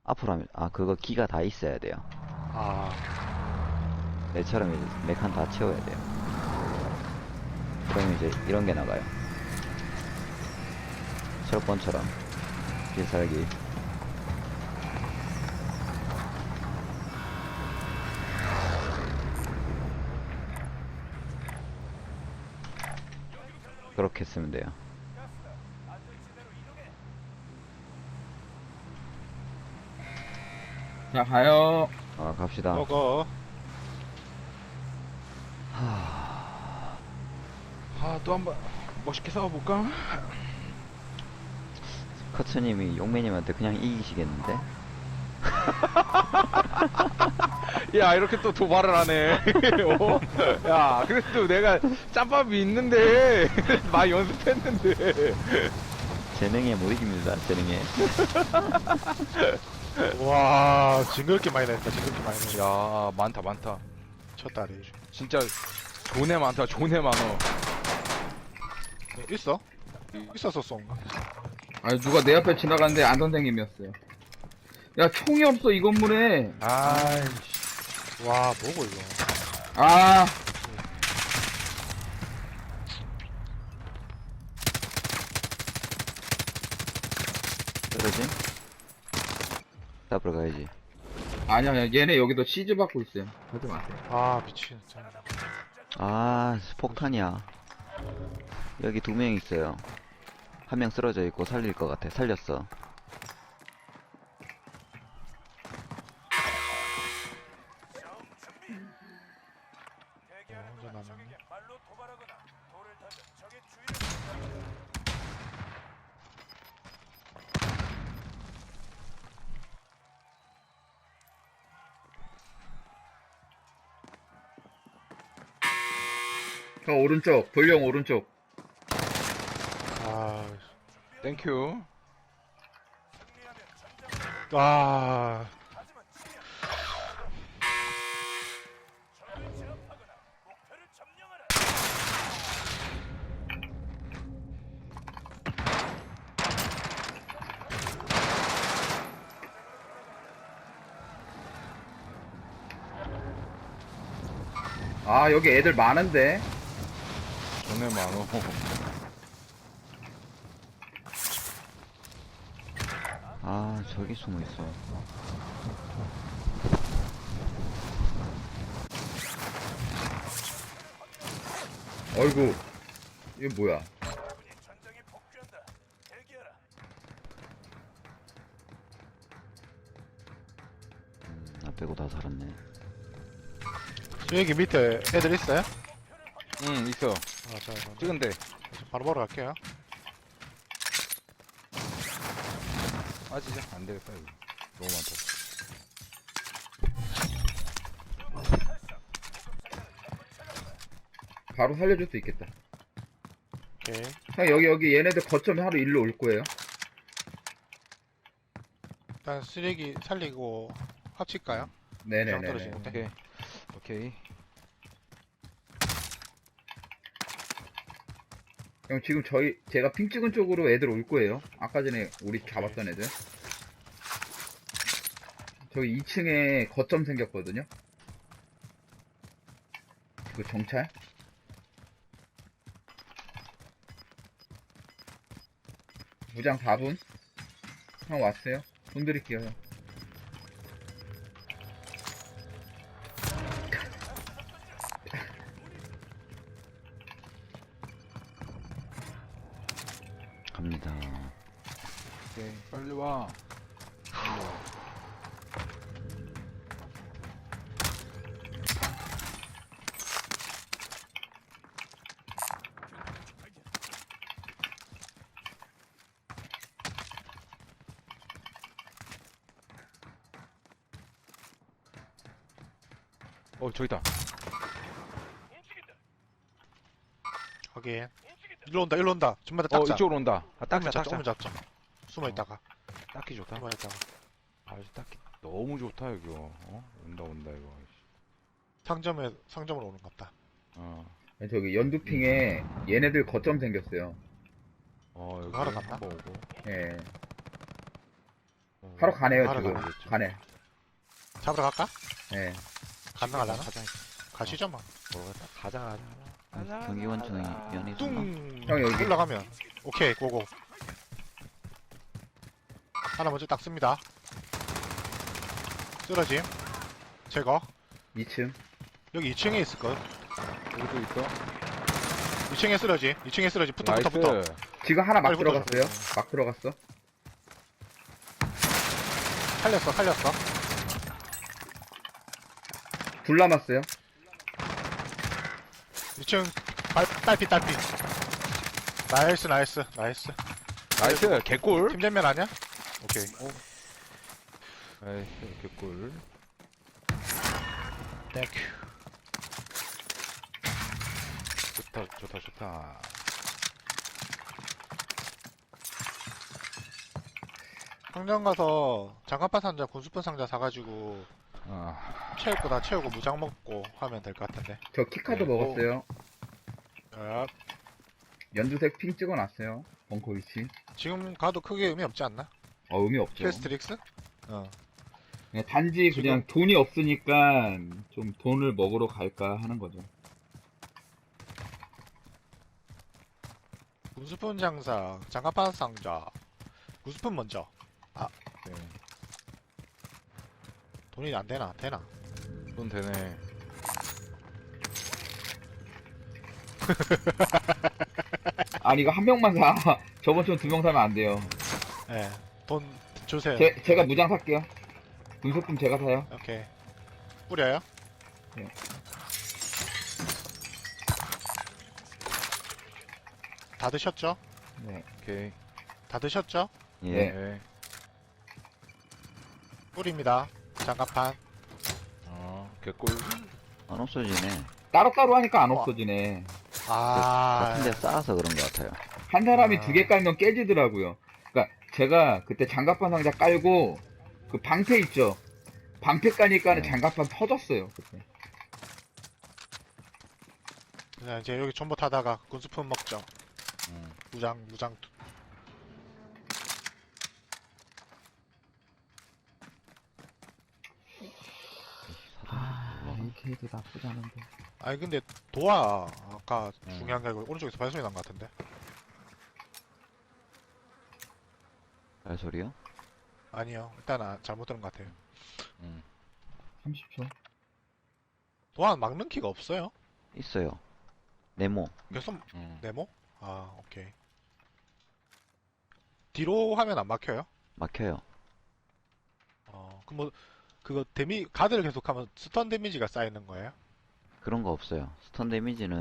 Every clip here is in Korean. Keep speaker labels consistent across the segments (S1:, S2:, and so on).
S1: 앞으로 하면, 아, 그거 기가 다 있어야 돼요.
S2: 아,
S1: 내처럼 이제 메칸 다 채워야 돼요. 그러면 이제 이런 게 나가요. 철권처럼. 필살기. 그렇게 쓰면 돼요.
S3: 자, 가요.
S1: 갑시다.
S2: 먹어.
S1: 하...
S2: 아, 또 한번 멋있게 싸워볼까?
S1: 커츠님이 용매님한테 그냥 이기시겠는데?
S2: 야, 이렇게 또 도발을 하네. 어? 야, 그래도 내가 짬밥이 있는데, 많이 연습했는데.
S1: 재능에 못 이깁니다, 재능에.
S4: 와, 징그럽게 많이 냈다, 징그럽게 많이 냈다.
S2: 야, 많다, 많다.
S4: 첫 달이.
S2: 진짜, 존에 많다, 존에 많어.
S4: 있어? 있었었어, 뭔가.
S3: 아니, 누가 내 앞에 지나가는데 안 선생님이었어요. 야, 총이 없어, 이 건물에.
S4: 아이씨. 와, 뭐고, 이거.
S3: 아,
S1: 그러지? 잡으러 가야지.
S3: 아니야, 얘네 여기도 시즈 받고 있어요. 하지 마세요.
S4: 아, 미친, 참.
S1: 아, 폭탄이야. 여기 2명 있어요. 한 명 쓰러져 있고 살릴 것 같아. 살렸어.
S4: 혼자 남았네.
S3: 저 오른쪽, 돌령 오른쪽.
S4: 아,
S2: 땡큐.
S4: 아,
S3: 아, 여기 애들 많은데.
S2: 존에 많어.
S1: 아, 저기 숨어 있어.
S3: 어이구. 이거 뭐야.
S1: 나 빼고 다 살았네.
S4: 여기 밑에 애들 있어요?
S2: 응, 있어.
S4: 아, 자, 이거.
S2: 찍은데.
S4: 바로 보러 갈게요.
S2: 빠지자. 안 되겠다, 이거. 너무 많다.
S3: 바로 살려줄 수 있겠다.
S4: 오케이.
S3: 형, 여기 얘네들 거점 하루 일로 올 거예요.
S4: 일단 쓰레기 살리고 합칠까요?
S3: 네네네.
S4: 떨어지는데.
S2: 오케이. 오케이.
S3: 형, 지금 제가 핑 찍은 쪽으로 애들 올 거예요. 아까 전에 우리 잡았던 애들. 저기 2층에 거점 생겼거든요. 그 정찰? 무장 4분? 형 왔어요? 돈 드릴게요, 형.
S1: 갑니다.
S2: 오케이. 빨리 와. 저기다.
S4: 확인. 일로 온다, 일로 온다. 좀만 더 닦자.
S2: 이쪽으로 온다.
S4: 조금만
S2: 딱자,
S4: 조금만
S2: 딱자.
S4: 잡자. 숨어 있다가.
S2: 딱히 좋다.
S4: 숨어 있다가.
S2: 딱히 너무 좋다, 이거. 온다, 이거.
S4: 상점으로 오는 것 같다.
S3: 저기 연두핑에 얘네들 거점 생겼어요.
S2: 여기
S4: 하러 갔나?
S2: 한번 오고.
S3: 예. 바로 가네요,
S4: 바로
S3: 지금.
S2: 가겠죠.
S3: 가네.
S4: 잡으러 갈까?
S3: 네.
S4: 가능하려나?
S2: 가자.
S4: 가시죠 뭐.
S2: 모르겠다. 가자.
S1: 경기관청이 연이 있었나?
S4: 뚱
S3: 형, 여기.
S4: 올라가면 오케이 고고. 하나 먼저 딱 씁니다. 쓰러짐 제거.
S3: 2층.
S4: 여기 2층에 있을 거.
S2: 여기도 있어.
S4: 2층에 쓰러짐. 2층에 쓰러짐. 붙어 붙어
S2: 나이스.
S4: 붙어.
S3: 지금 하나 막
S4: 빨리 붙어줘.
S3: 들어갔어요. 막 들어갔어.
S4: 살렸어 살렸어.
S3: 둘 남았어요.
S4: 2층 딸피 딸피. 나이스 나이스 나이스.
S2: 나이스. 개꿀.
S4: 팀전면 아니야? 오케이.
S2: 나이스. 개꿀.
S4: 땡큐.
S2: 좋다.
S4: 상점 가서 장갑판 상자, 군수품 상자 사가지고 채울 거 다 채우고 무장 먹고 하면 될 것 같은데.
S3: 저 키카드
S2: 네.
S3: 먹었어요.
S4: 야,
S3: 연두색 핑 찍어놨어요. 벙커 위치.
S4: 지금 가도 크게 의미 없지 않나?
S3: 의미 없죠.
S4: 퀘스트릭스?
S3: 그냥 단지 그냥 돈이 없으니까 좀 돈을 먹으러 갈까 하는 거죠.
S4: 군수품 장사, 장갑판 상자, 군수품 먼저.
S2: 네.
S4: 돈이 안 되나? 되나?
S2: 돈 되네.
S3: 아니 이거 한 명만 사. 저번처럼 두 명 사면 안 돼요.
S4: 예. 돈 주세요.
S3: 제가 무장 살게요. 분석금 제가 사요.
S4: 오케이. 뿌려요?
S3: 네.
S4: 다 드셨죠?
S3: 네.
S2: 오케이.
S4: 다 드셨죠?
S1: 예.
S2: 네.
S4: 뿌립니다. 장갑판.
S2: 개꿀.
S1: 안 없어지네.
S3: 따로따로 하니까 안 없어지네.
S1: 같은 데
S4: 아,
S1: 쌓아서 그런 것 같아요.
S3: 한 사람이
S4: 아.
S3: 두 개 깔면 깨지더라고요. 그러니까 제가 그때 장갑판 상자 깔고 그 방패 있죠. 방패 까니까는
S1: 네.
S3: 장갑판 터졌어요. 그때.
S4: 네, 이제 여기 전부 타다가 군수품 먹죠. 무장.
S3: AK도 나쁘지 않은데.
S4: 아니 근데 도와 아까
S2: 음.
S4: 중요한 게 아니고 오른쪽에서 발소리 난 것 같은데.
S1: 발소리요?
S4: 아니요. 일단 잘못 들은 것 같아요.
S3: 30초.
S4: 도안 막는 키가 없어요.
S1: 있어요. 네모.
S4: 그래서 네모? 아 오케이. 뒤로 하면 안 막혀요?
S1: 막혀요.
S4: 그럼 뭐 그거 가드를 계속하면 스턴 데미지가 쌓이는 거예요?
S1: 그런 거 없어요. 스턴 데미지는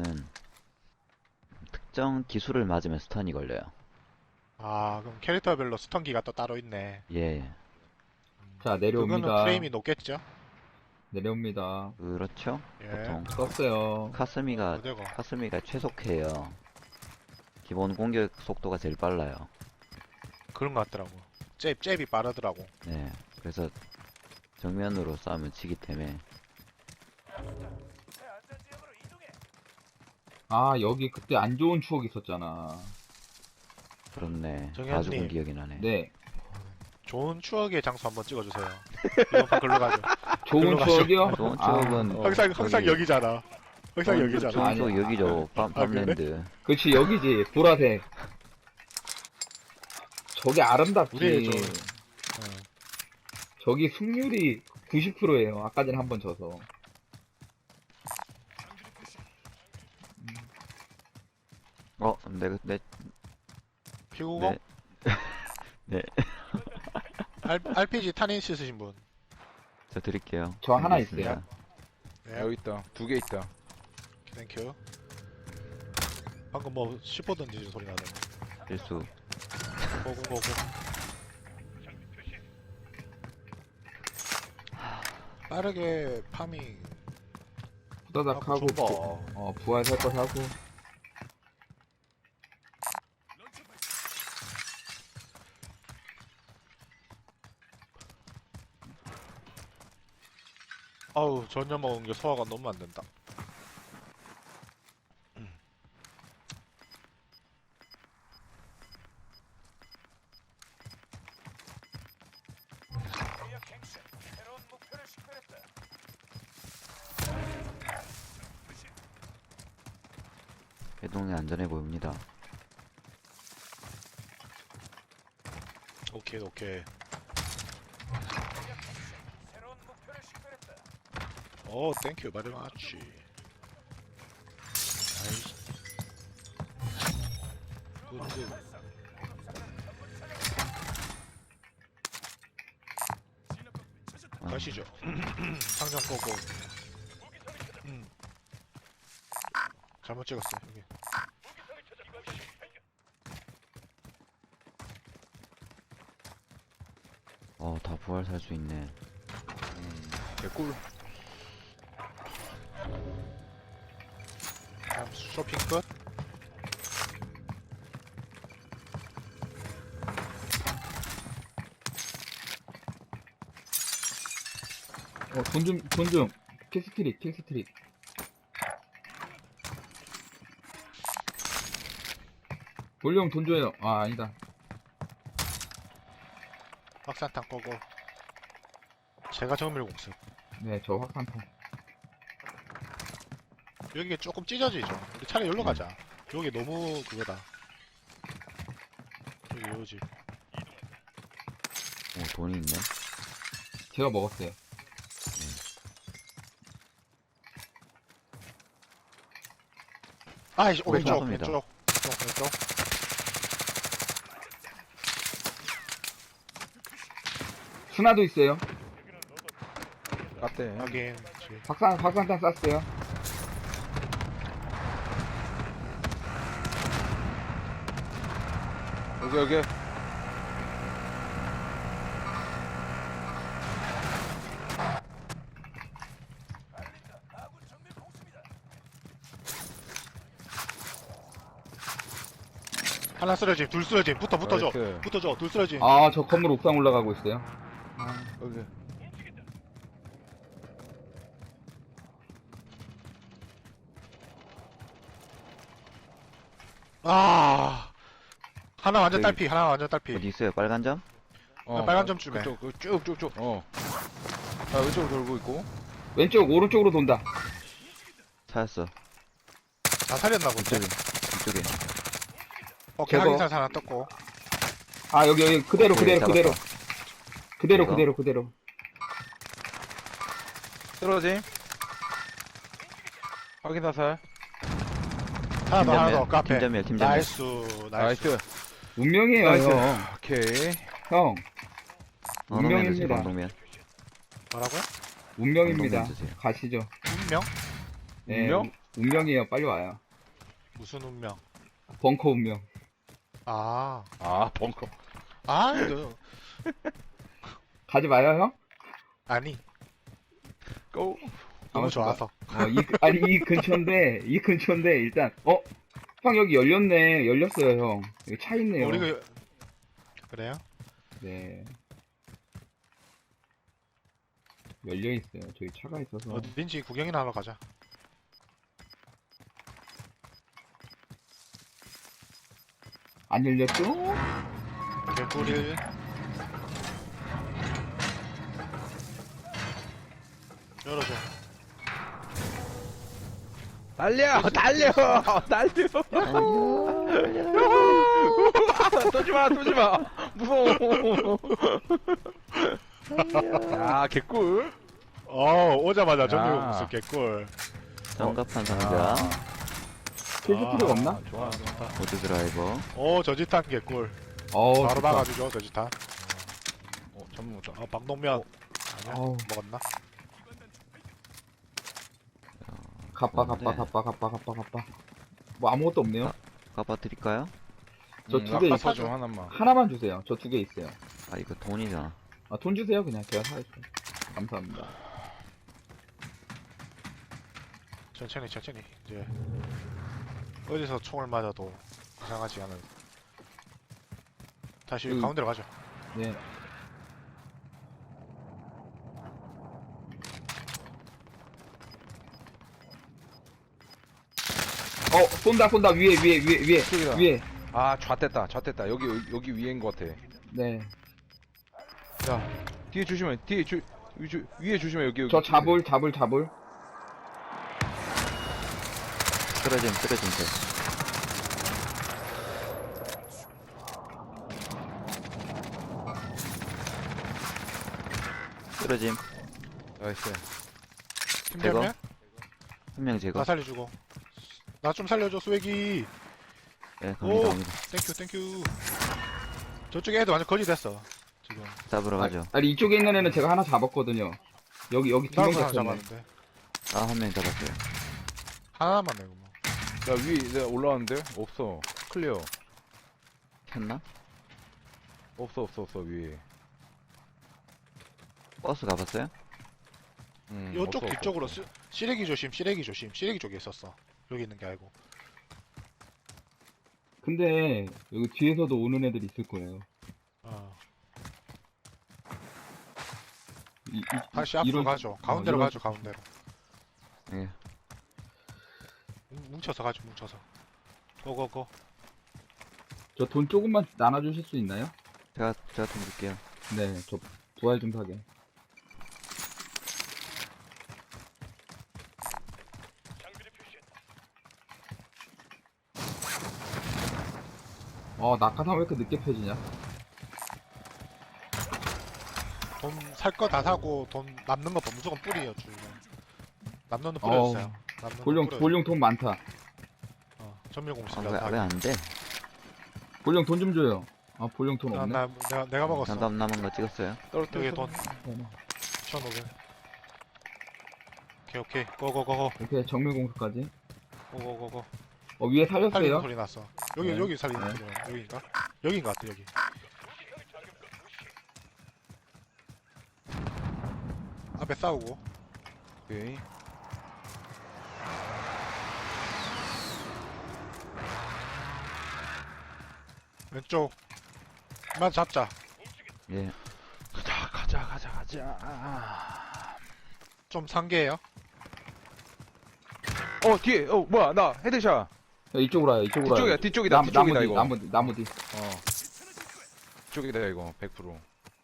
S1: 특정 기술을 맞으면 스턴이 걸려요.
S4: 아 그럼 캐릭터별로 스턴기가 또 따로 있네.
S1: 예.
S3: 자,
S4: 그거는
S3: 내려옵니다.
S4: 프레임이 높겠죠?
S3: 내려옵니다.
S1: 그렇죠.
S4: 예.
S1: 보통
S3: 떴어요.
S1: 카스미가
S4: 어디고?
S1: 최속해요. 기본 공격 속도가 제일 빨라요.
S4: 그런 것 같더라고. 잽이 빠르더라고.
S1: 네. 그래서 정면으로 싸우면 치기 때문에
S3: 아, 여기 그때 안 좋은 추억 있었잖아.
S1: 그렇네.
S4: 정현님.
S1: 다 죽은 기억이 나네.
S3: 네.
S4: 좋은 추억의 장소 한번 찍어주세요. 이번 판 글로 가죠.
S3: 좋은
S4: 글로 가죠.
S3: 추억이요?
S1: 좋은
S3: 아,
S1: 추억은
S4: 항상
S1: 저기
S4: 여기잖아. 항상 여기잖아.
S1: 좋은 추억
S3: 아니야.
S1: 여기죠. 팜랜드.
S3: 그렇지, 여기지. 보라색. 저게 아름답지.
S4: 우리의 저-
S3: 저기 승률이 90%예요. 아까 전에 한 번 져서.
S1: 내
S4: 피구공?
S1: 네.
S4: RPG 탄인시 쓰신 분.
S1: 저 드릴게요.
S3: 저 하나
S1: 알겠습니다.
S3: 있어요.
S4: 네,
S2: 여기 있다. 2개 있다.
S4: 땡큐. 방금 뭐 씹어 던지는 소리 나더니.
S1: 실수.
S4: 고고. 빠르게 파밍.
S3: 후다닥 하고,
S4: 좀
S3: 부활 살 거 사고.
S4: 아우 전혀 먹은 게 소화가 너무 안 된다.
S1: 해동이 안전해 보입니다.
S4: 오케이 오케이. 오 땡큐 바리 마치. 나이스. 굿굿.
S1: 아,
S4: 가시죠. 상점 꺼고. 잘못 찍었어 여기.
S1: 다 부활 살 수 있네.
S2: 개꿀.
S4: 다음 쇼핑 끝.
S3: 돈 좀. 킬스트릭. 볼륨 돈 줘요. 아, 아니다.
S4: 확산탄 꺼고. 제가 정밀 공습.
S3: 네, 저 확산탄.
S4: 여기 조금 찢어지죠. 우리 차라리 여기로 가자. 여기 너무 그거다. 여기 요집.
S1: 돈이 있네.
S3: 제가 먹었어요.
S4: 아이씨 왼쪽
S1: 감사합니다.
S4: 왼쪽.
S3: 스나도 있어요.
S2: 깠대.
S4: 확인.
S3: 확산탄 쐈어요.
S2: 여기.
S4: 하나 쓰러짐, 둘 쓰러짐. 붙어줘.
S2: 나이스.
S4: 붙어줘. 둘 쓰러짐.
S3: 아, 저 건물 옥상 올라가고 있어요.
S2: 여기.
S4: 아. 하나 완전
S1: 저기-
S4: 딸피. 하나 완전 딸피.
S1: 어디 있어요? 빨간 점?
S4: 빨간 점 주매.
S2: 그쪽, 쭉쭉쭉. 자, 왼쪽으로 돌고 있고.
S3: 왼쪽, 오른쪽으로 돈다.
S1: 찾았어.
S4: 다 살렸나 본데.
S1: 이쪽에.
S4: 오케이,
S3: 제거.
S4: 확인사 하나 떴고.
S3: 아, 여기, 그대로.
S1: 오케이, 잡았다.
S3: 그대로.
S2: 쓰러짐. 확인 사살.
S4: 하나 더, 카페.
S1: 팀전멸.
S4: 나이스.
S2: 나이스.
S3: 운명이에요,
S2: 나이스.
S3: 형.
S2: 오케이.
S3: 형,
S1: 방독면 주세요.
S3: 운명입니다.
S1: 방독면.
S4: 뭐라고요?
S3: 운명입니다.
S1: 운동 주세요.
S3: 가시죠.
S4: 운명?
S3: 네,
S2: 운명?
S3: 운명이에요. 빨리 와요.
S4: 무슨 운명?
S3: 벙커 운명.
S4: 아.
S2: 벙커.
S4: 아, 이거.
S3: 가지 마요, 형?
S4: 아니.
S2: 고.
S4: 너무
S3: 아,
S4: 좋아서.
S3: 이 근처인데, 일단, 형, 여기 열렸어요, 형. 여기 차 있네요.
S4: 우리가 그래요?
S3: 네. 열려있어요. 저기 차가 있어서.
S4: 어딘지 구경이나 하러 가자.
S3: 안 열렸죠?
S4: 개꿀이. 열어줘.
S2: 달려! 쏘지 마! 무서워! 야, 개꿀!
S4: 오자마자 정리
S2: 야.
S4: 공습 개꿀.
S1: 장갑판 상자.
S3: 필드 필요가 없나?
S2: 좋아.
S1: 보드 드라이버.
S4: 저지탄 개꿀.
S3: 어우,
S4: 바로
S3: 좋다.
S4: 나가주죠, 저지탄.
S2: 전문 못다.
S4: 방독면. 아니야?
S3: 어우.
S4: 먹었나?
S3: 갑바. 뭐 아무것도 없네요.
S1: 까봐 드릴까요?
S3: 저 두 개
S2: 아까
S3: 있어.
S2: 좀 하나만.
S3: 하나만 주세요. 저 두 개 있어요.
S1: 아, 이거 돈이잖아.
S3: 아, 돈 주세요. 그냥 제가 사갈게요. 감사합니다.
S4: 천천히. 이제. 어디서 총을 맞아도 이상하지 않은. 다시 가운데로 가죠.
S3: 네. 쏜다. 위에.
S2: 이쪽이다. 좌됐다. 여기 위에인 것 같아.
S3: 네.
S2: 야, 뒤에 조심해. 위에 조심해, 여기.
S3: 저 잡을.
S1: 쓰러짐 돼. 쓰러짐.
S2: 나이스.
S4: 팀
S1: 제거.
S4: 때문에?
S1: 한 명 제거.
S4: 나 살려주고. 나 좀 살려줘, 스웨기.
S1: 예,
S4: 오.
S1: 갑니다.
S4: 땡큐. 저쪽에 애들 완전 거지 됐어. 지금.
S1: 잡으러 가죠.
S3: 아니, 이쪽에 있는 애는 제가 하나 잡았거든요. 여기 두 명
S4: 나도 하나
S3: 잡혔네.
S4: 잡았는데.
S1: 아, 한 명 잡았어요.
S4: 하나 남았네, 그럼.
S2: 나 위에 내가 올라왔는데? 없어. 클리어.
S1: 켰나?
S2: 없어, 위에.
S1: 버스 가봤어요?
S4: 이쪽
S2: 없어,
S4: 뒤쪽으로
S2: 없어.
S4: 시래기 조심. 시래기 쪽에 있었어. 여기 있는 게 아니고.
S3: 근데 여기 뒤에서도 오는 애들 있을 거예요.
S4: 어.
S3: 이-
S4: 다시 앞으로
S3: 이런-
S4: 가죠. 가운데로
S3: 이런-
S4: 가죠, 가운데로.
S1: 예.
S4: 뭉쳐서 가죠, 뭉쳐서. 고고고.
S3: 저 돈 조금만 나눠주실 수 있나요?
S1: 제가 돈 줄게요.
S3: 네, 저 부활 좀 사게. 낙하산 왜 이렇게 늦게 펴지냐?
S4: 돈 살 거 다 사고 돈 남는 거 무조건 뿌리요, 줄. 남는 거
S3: 어우,
S4: 뿌려주세요. 남는 거
S3: 볼용
S4: 뿌려요.
S3: 돈 많다.
S4: 전멸 공식.
S1: 아, 왜 안 돼?
S3: 볼용 돈 좀 줘요. 볼용 돈 없네.
S4: 내가 먹었어.
S1: 장갑 남은 거 찍었어요.
S4: 여기 돈 1,500. 오케이. 고고고고.
S3: 이렇게 정밀 공수까지.
S4: 고고고고.
S3: 위에
S4: 살리는
S3: 살렸어요.
S4: 소리 났어. 여기
S3: 네.
S4: 여기 살리는
S3: 네.
S4: 소리. 여기인가? 여기인 것 같아, 여기. 앞에 싸우고.
S2: 오케이.
S4: 왼쪽. 만 잡자.
S1: 예.
S2: 가자.
S4: 좀 상계해요.
S2: 뒤에, 뭐야, 나 헤드샷.
S3: 이쪽으로 와요.
S2: 뒤쪽이다, 뒤쪽이다, 이거.
S3: 나무 뒤.
S2: 뒤쪽이다, 이거, 100%.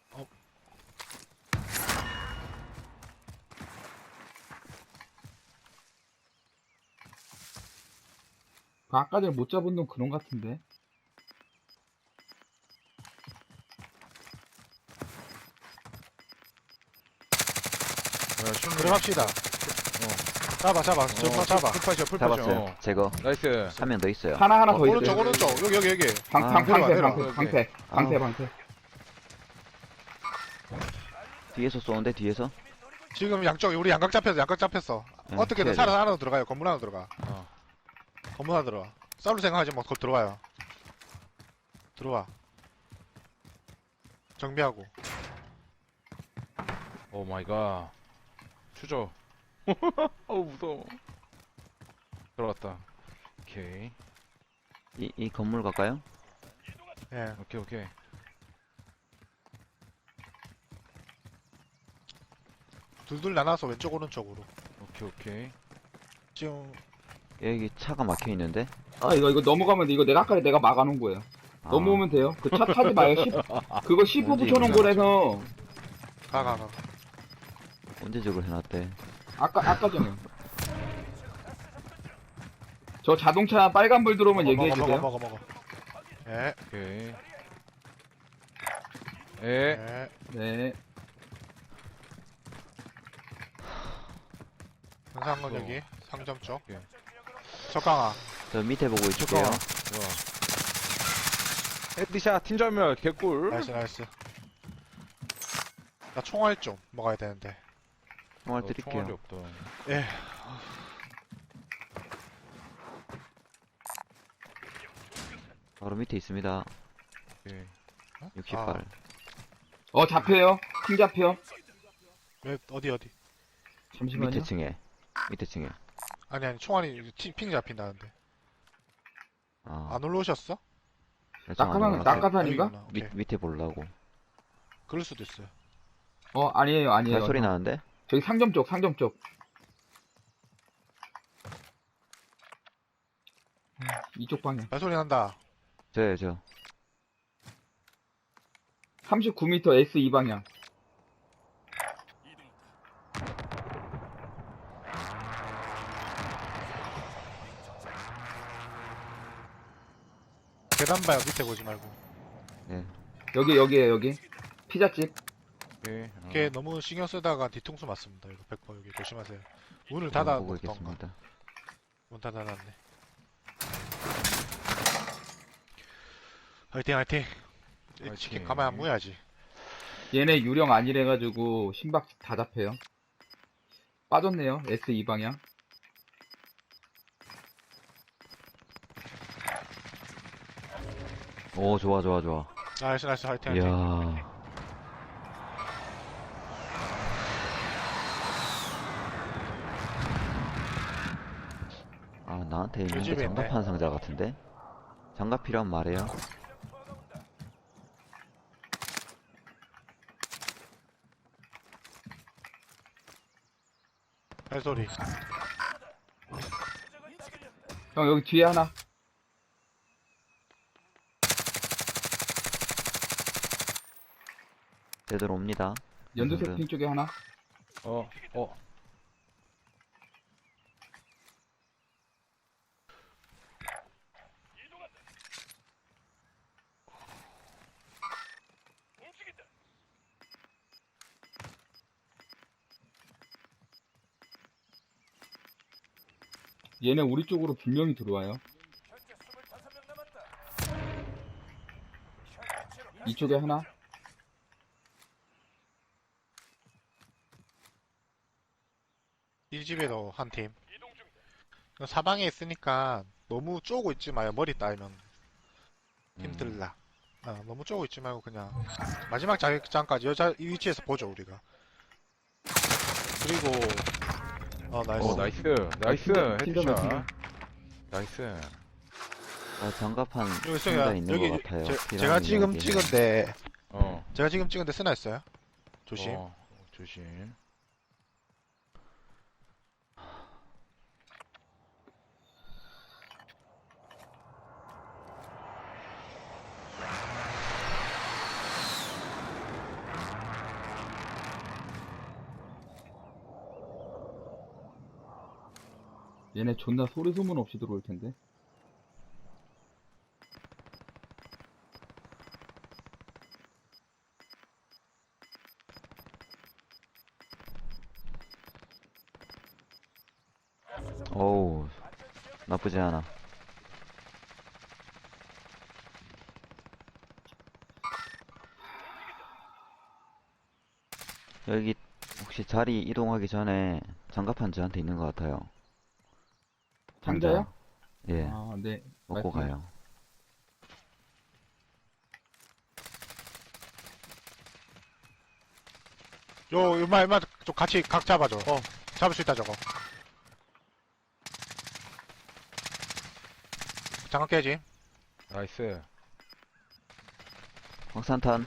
S3: 아까 전에 못 잡은 놈 그런 것 같은데.
S4: 들어갑시다. 잡아. 정말 잡아.
S2: 풀파이셔.
S1: 잡았어요. 제거.
S2: 나이스.
S1: 한 명 더 있어요.
S3: 하나 더
S4: 오른쪽,
S3: 있어요.
S4: 오른쪽. 여기.
S3: 방패.
S1: 아. 뒤에서 쏘는데, 뒤에서?
S4: 지금 양쪽, 우리 양각 잡혔어.
S1: 네,
S4: 어떻게든
S1: 피해야
S4: 살아서 안으로 들어가요. 건물 안으로 들어가.
S2: 어.
S4: 건물 안으로 들어가. 싸울 생각하지 마. 곧 들어와요. 들어와. 정비하고.
S2: 오 마이 갓. 추적. 어우, 무서워. 들어갔다. 오케이.
S1: 이 건물 갈까요?
S4: 예.
S2: 오케이.
S4: 둘둘 나눠서 왼쪽 오른쪽으로.
S2: 오케이.
S4: 지금
S1: 여기 차가 막혀 있는데?
S3: 이거 넘어가면 돼. 이거 내가 막아놓은 거예요.
S1: 아,
S3: 넘어오면 돼요. 그 차 타지 마요. 그거 10호
S1: 뭔지
S3: 붙여놓은
S1: 몰라.
S3: 거라서.
S4: 가.
S1: 언제 저걸 해놨대?
S3: 아까 전에. 저 자동차 빨간불 들어오면 얘기해주세요.
S4: 먹어. 예.
S2: 오케이.
S4: 예.
S3: 네.
S4: 현상건 여기 상점 쪽.
S2: 오케이.
S4: 적강아.
S1: 저 밑에 보고 있을게요.
S2: 좋아. 헤드샷 팀전멸 개꿀.
S4: 나이스. 나 총알 좀 먹어야 되는데.
S1: 총알
S2: 총알이
S1: 드릴게요.
S2: 없다.
S4: 예.
S1: 바로 밑에 있습니다.
S2: 오케이.
S1: 60발.
S3: 잡혀요. 팀 잡혀.
S4: 어디.
S3: 잠시만요.
S1: 밑에 층에.
S4: 아니 총알이 핑 잡힌다는데.
S1: 아,
S4: 안 올라오셨어?
S3: 낙하산인가?
S4: 여기구나. 오케이.
S1: 밑에 보려고.
S4: 그럴 수도 있어요.
S3: 아니에요.
S1: 발소리 나는데?
S3: 저기 상점 쪽. 이쪽 방향.
S4: 발소리 난다.
S1: 저.
S3: 39m S2 방향.
S4: 계단 봐요. 밑에 보지 말고.
S1: 예.
S3: 여기에요, 여기. 피자집.
S2: 오케이.
S4: 걔 너무 신경 쓰다가 뒤통수 맞습니다. 이거 100% 여기 조심하세요. 문을
S1: 전
S4: 닫아
S1: 보고
S4: 놓던가.
S1: 있겠습니다.
S4: 문 닫아놨네. 화이팅 화이팅. 이
S2: 화이팅.
S4: 치킨 가만히 안 무야지.
S3: 얘네 유령 아니래가지고 심박 다 잡혀요. 빠졌네요. S2 방향.
S1: 오, 좋아, 좋아, 좋아.
S4: 나이스 나이스 화이팅 화이팅.
S1: 이야. 아, 나한테 있는 게
S4: 집에 있네.
S1: 장갑판 상자 같은데? 장갑 필요하면 말해요.
S4: 발소리.
S3: 형, 여기 뒤에 하나.
S1: 제대로 옵니다.
S3: 연두색 핑 쪽에 하나.
S2: 어.
S3: 얘네 우리 쪽으로 분명히 들어와요. 이쪽에 하나.
S4: 이 집에도 한 팀. 사방에 있으니까 너무 쪼고 있지 마요. 머리 따이면 힘들라. 너무 쪼고 있지 말고 그냥 마지막 자기장까지 이 위치에서 보죠 우리가. 그리고 나이스.
S2: 오, 나이스. 나이스.
S3: 팀전면
S2: 헤드샷. 나이스.
S1: 아, 장갑판
S4: 여기
S1: 상자
S4: 있어요.
S1: 있는
S4: 여기
S1: 것 같아요.
S4: 제가
S1: 필요하면
S4: 지금
S1: 이야기해요.
S4: 찍은데
S2: 어.
S4: 제가 지금 찍은데 쓰나 있어요? 조심.
S2: 조심.
S3: 얘네 존나 소리 소문 없이 들어올 텐데.
S1: 어우, 나쁘지 않아. 여기 혹시 자리 이동하기 전에 장갑판 저한테 있는 것 같아요.
S3: 상자요?
S1: 예,
S3: 아, 네.
S1: 먹고
S3: 말씀해.
S1: 가요.
S4: 요 얼마 좀 같이 각 잡아줘. 잡을 수 있다 저거. 장갑 깨지.
S2: 나이스.
S1: 확산탄.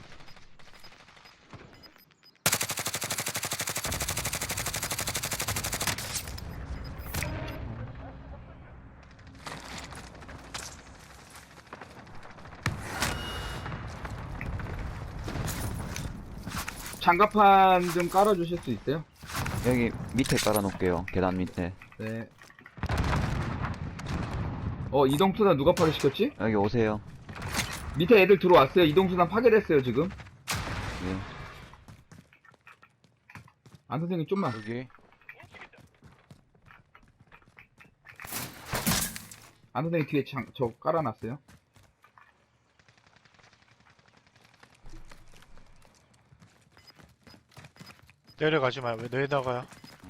S3: 장갑판 좀 깔아주실 수 있어요?
S1: 여기 밑에 깔아놓을게요. 계단 밑에.
S3: 네. 이동수단 누가 파괴시켰지?
S1: 여기 오세요.
S3: 밑에 애들 들어왔어요. 이동수단 파괴됐어요, 지금.
S1: 예.
S3: 안 선생님, 좀만.
S2: 여기.
S3: 안 선생님 뒤에 저 깔아놨어요.
S4: 내려가지 마요. 왜 내려가요?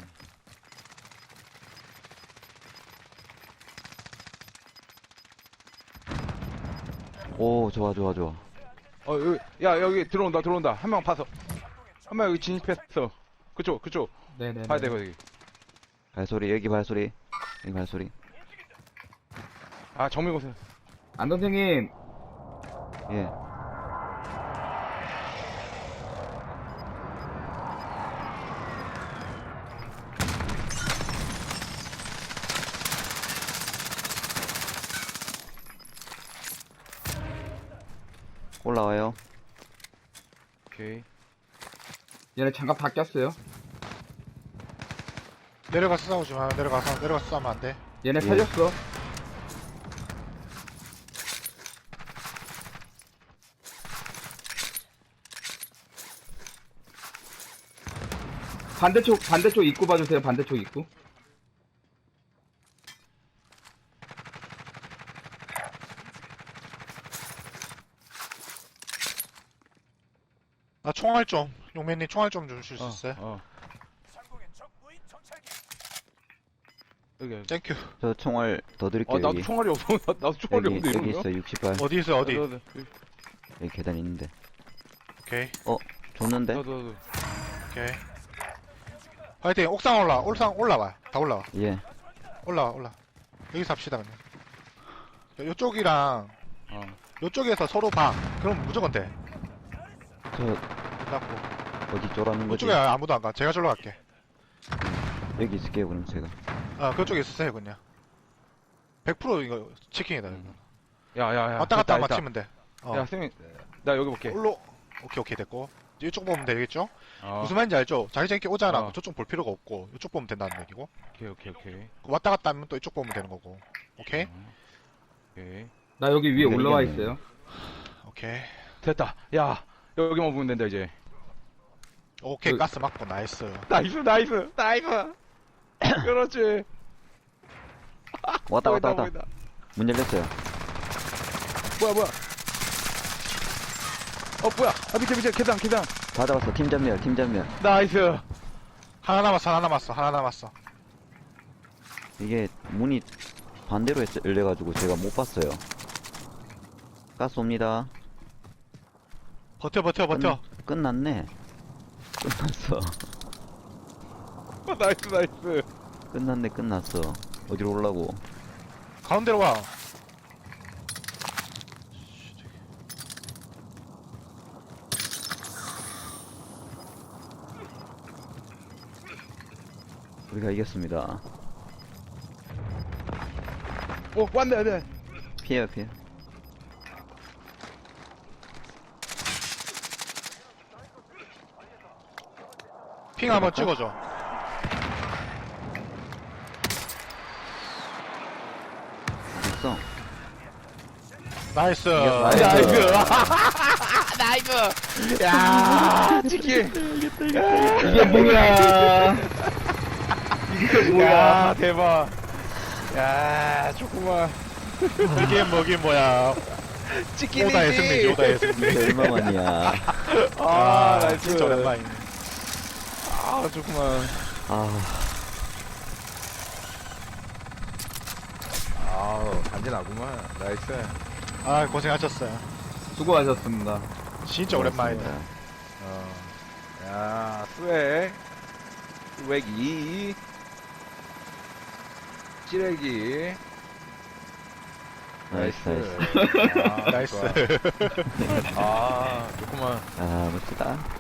S1: 오, 좋아, 좋아, 좋아.
S2: 여기, 야, 여기 들어온다. 한 명 봐서. 한 명 여기 진입했어. 그쪽.
S3: 네네.
S2: 봐야 돼, 여기.
S1: 발소리, 여기 발소리. 여기 발소리.
S2: 아, 정밀고세.
S3: 안 선생님,
S1: 예. 올라와요.
S2: 오케이.
S3: 얘네 장갑 다 꼈어요.
S4: 내려가서 싸우지 마. 내려가서 싸우면 안 돼.
S3: 얘네
S1: 예.
S3: 살렸어. 반대쪽 입구 봐주세요. 반대쪽 입구.
S4: 나 총알 좀, 용맨님 총알 좀 주실 수 있어요?
S2: 여기.
S4: 땡큐.
S1: 저 총알 더 드릴게요.
S2: 나도
S1: 여기.
S2: 총알이 없어. 나도 총알이
S1: 여기,
S2: 없는데,
S1: 여기
S2: 이러면?
S1: 있어, 60발.
S4: 어디 있어요, 어디?
S1: 여기 계단 있는데.
S4: 오케이,
S1: 줬는데?
S2: 나도.
S4: 오케이. 화이팅, 옥상 올라와. 다 올라와.
S1: 예.
S4: 올라와. 여기서 합시다, 그냥. 요쪽이랑, 요쪽에서 서로 봐. 그럼 무조건 돼.
S1: 저,
S4: 닫고.
S1: 어디 쫄아는 거지?
S4: 그쪽에 아무도 안 가. 제가 절로 갈게.
S1: 여기 있을게요, 그럼 제가.
S4: 그쪽에 있으세요, 그냥. 100% 이거 치킨이다, 이거.
S2: 야.
S4: 왔다 갔다
S2: 됐다.
S4: 맞추면 돼.
S2: 야, 쌤이, 나 여기 볼게.
S4: 오케이, 됐고. 이쪽 보면 되겠죠?
S2: 어.
S4: 무슨 말인지 알죠? 자기장끼리 오잖아.
S2: 어.
S4: 저쪽 볼 필요가 없고, 이쪽 보면 된다는 얘기고.
S2: 오케이.
S4: 왔다 갔다 하면 또 이쪽 보면 되는 거고. 오케이?
S2: 오케이.
S3: 나 여기 위에
S1: 네,
S3: 올라와
S1: 이겼네.
S3: 있어요.
S4: 오케이.
S2: 됐다. 야, 여기만 보면 된다, 이제.
S4: 오케이, 가스 맞고, 나이스.
S2: 나이스. 그렇지.
S1: 왔다.
S2: 보인다.
S1: 문 열렸어요.
S2: 뭐야. 뭐야. 밑에, 계단.
S1: 다 잡았어. 팀 전멸.
S2: 나이스.
S4: 하나 남았어.
S1: 이게 문이 반대로 열려가지고 제가 못 봤어요. 가스 옵니다.
S4: 버텨.
S1: 끝났네. 끝났어.
S2: 나이스.
S1: 끝났어. 어디로 올라고?
S4: 가운데로 와.
S1: 우리가 이겼습니다.
S2: 왔네.
S1: 피해요.
S4: 핑 한번 찍어줘.
S1: 됐어.
S4: 나이스.
S2: 나이스. 야, 치킨.
S3: 이게 뭐야?
S2: 야, 대박. 야, 좋구만.
S4: 이게 뭐긴 뭐야.
S2: 치킨이지.
S4: 오다의 승리.
S1: 이게 얼마만이야.
S2: 나이스.
S4: 진짜 오랜만이네.
S2: 좋구만. 간지나구만. 나이스.
S4: 고생하셨어요.
S3: 수고하셨습니다.
S4: 진짜 오랜만이다.
S2: 야, 스웩2 찌레기.
S1: 나이스.
S4: 나이스.
S2: 좋아. 좋구만.
S1: 멋지다.